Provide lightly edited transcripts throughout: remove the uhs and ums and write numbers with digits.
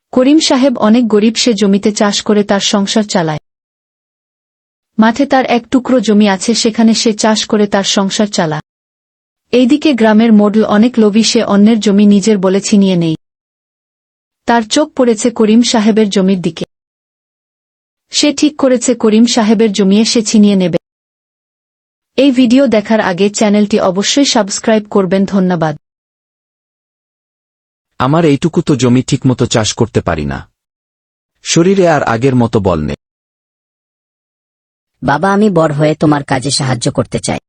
করিম সাহেব অনেক গরিব, সে জমিতে চাষ করে তার সংসার চালায়। মাঠে তার এক টুকরো জমি আছে, সেখানে সে চাষ করে তার সংসার চালা। এইদিকে গ্রামের মোডল অনেক লোভী, সে অন্যের জমি নিজের বলে ছিনিয়ে নেই। তার চোখ পড়েছে করিম সাহেবের জমির দিকে। সে ঠিক করেছে করিম সাহেবের জমিয়ে সে ছিনিয়ে নেবে। এই ভিডিও দেখার আগে চ্যানেলটি অবশ্যই সাবস্ক্রাইব করবেন। ধন্যবাদ। আমার এইটুকু তো জমি ঠিকমতো চাষ করতে পারি না। শরীরে আর আগের মতো বল নেই। বাবা, আমি বড় হয়ে তোমার কাজে সাহায্য করতে চাই।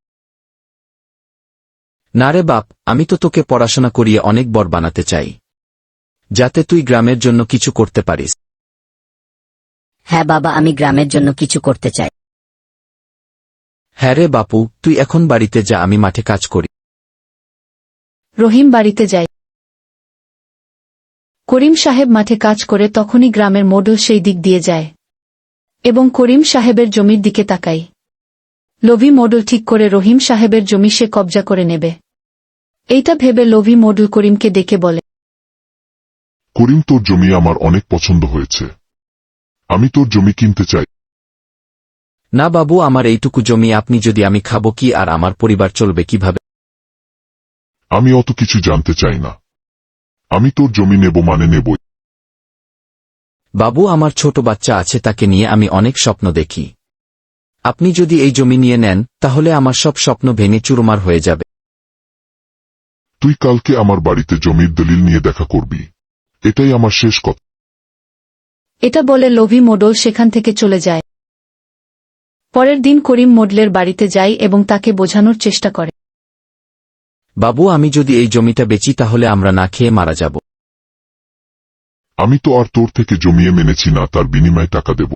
না রে বাপ, আমি তো তোকে পড়াশোনা করিয়ে অনেক বড় বানাতে চাই, যাতে তুই গ্রামের জন্য কিছু করতে পারিস। হ্যাঁ বাবা, আমি গ্রামের জন্য কিছু করতে চাই। হ্যাঁ রে বাপু, তুই এখন বাড়িতে যা, আমি মাঠে কাজ করি। রহিম বাড়িতে যায়। করিম সাহেব মাঠে কাজ করে তখনই গ্রামের মোডল সেই দিক দিয়ে যায় এবং করিম সাহেবের জমির দিকে তাকায়। লোভী মোডল ঠিক করে রহিম সাহেবের জমি সে কবজা করে নেবে। এইটা ভেবে লোভী মোডল করিমকে ডেকে বলে, করিম, তোর জমি আমার অনেক পছন্দ হয়েছে। আমি তোর জমি কিনতে চাই। না বাবু, আমার এইটুকু জমি আপনি যদি আমি খাবো কি, আর আমার পরিবার চলবে কিভাবে? আমি অত কিছু জানতে চাই না। আমি তোর জমি নেব মানে নেবই। বাবু, আমার ছোট বাচ্চা আছে, তাকে নিয়ে আমি অনেক স্বপ্ন দেখি। আপনি যদি এই জমি নিয়ে নেন, তাহলে আমার সব স্বপ্ন ভেঙে চুরমার হয়ে যাবে। তুই কালকে আমার বাড়িতে জমির দলিল নিয়ে দেখা করবি। এটাই আমার শেষ কথা। এটা বলে লোভী মোডল সেখান থেকে চলে যায়। পরের দিন করিম মোডলের বাড়িতে যায় এবং তাকে বোঝানোর চেষ্টা করে, বাবু, আমি যদি এই জমিটা বেচি তাহলে আমরা না খেয়ে মারা যাব। আমি তো আর তোর থেকে জমিয়ে মেনেছি না, তার বিনিময়ে টাকা দেব।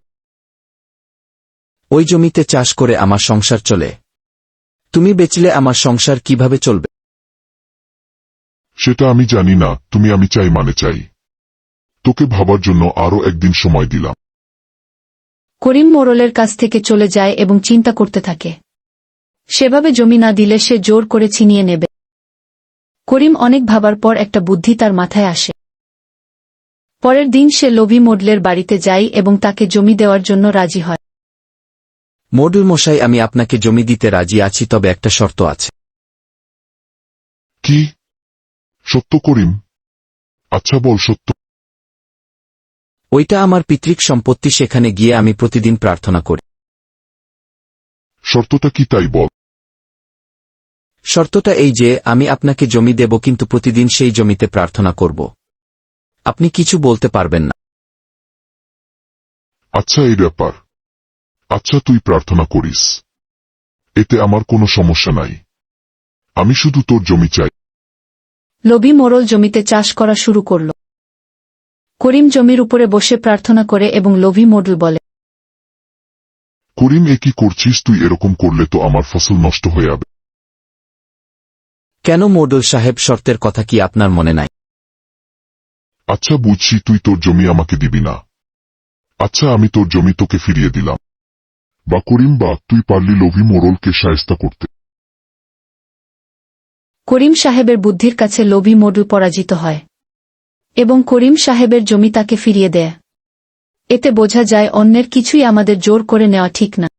ওই জমিতে চাষ করে আমার সংসার চলে। তুমি বেচলে আমার সংসার কিভাবে চলবে? সেটা আমি জানি না। আমি চাই মানে চাই। তোকে ভাবার জন্য আরো একদিন সময় দিলাম। করিম মোড়লের কাছ থেকে চলে যায় এবং চিন্তা করতে থাকে। সেভাবে জমি না দিলে সে জোর করে ছিনিয়ে নেবে। করিম অনেক ভাবার পর একটা বুদ্ধি তার মাথায় আসে। পরের দিন সে লোভী মোডলের বাড়িতে যায় এবং তাকে জমি দেওয়ার জন্য রাজি হয়। মোডল মশাই, আমি আপনাকে জমি দিতে রাজি আছি, তবে একটা শর্ত আছে। কি? সত্য করিম? আচ্ছা বল, সত্য। ওইটা আমার পিতৃক সম্পত্তি, সেখানে গিয়ে আমি প্রতিদিন প্রার্থনা করি। শর্তটা কি তাই বল। শর্তটা এই যে, আমি আপনাকে জমি দেব, কিন্তু প্রতিদিন সেই জমিতে প্রার্থনা করব। আপনি কিছু বলতে পারবেন না। আচ্ছা, এই ব্যাপার। আচ্ছা, তুই প্রার্থনা করিস, এতে আমার কোনো সমস্যা নাই। আমি শুধু তোর জমি চাই। লোভী মোড়ল জমিতে চাষ করা শুরু করল। করিম জমির উপরে বসে প্রার্থনা করে এবং লোভী মোডল বলে, করিম, এ কি করছিস তুই? এরকম করলে তো আমার ফসল নষ্ট হয়ে যাবে। কেন মোডল সাহেব, শর্তের কথা কি আপনার মনে নাই? আচ্ছা বুঝছি, তুই তোর জমি আমাকে দিবি না। আচ্ছা, আমি তোর জমি তোকে ফিরিয়ে দিলাম। বা করিম, বা তুই পারলি লোভী মোড়লকে শায়েস্তা করতে। করিম সাহেবের বুদ্ধির কাছে লোভী মোডল পরাজিত হয় এবং করিম সাহেবের জমি তাকে ফিরিয়ে দেয়। এতে বোঝা যায় অন্যের কিছুই আমাদের জোর করে নেওয়া ঠিক না।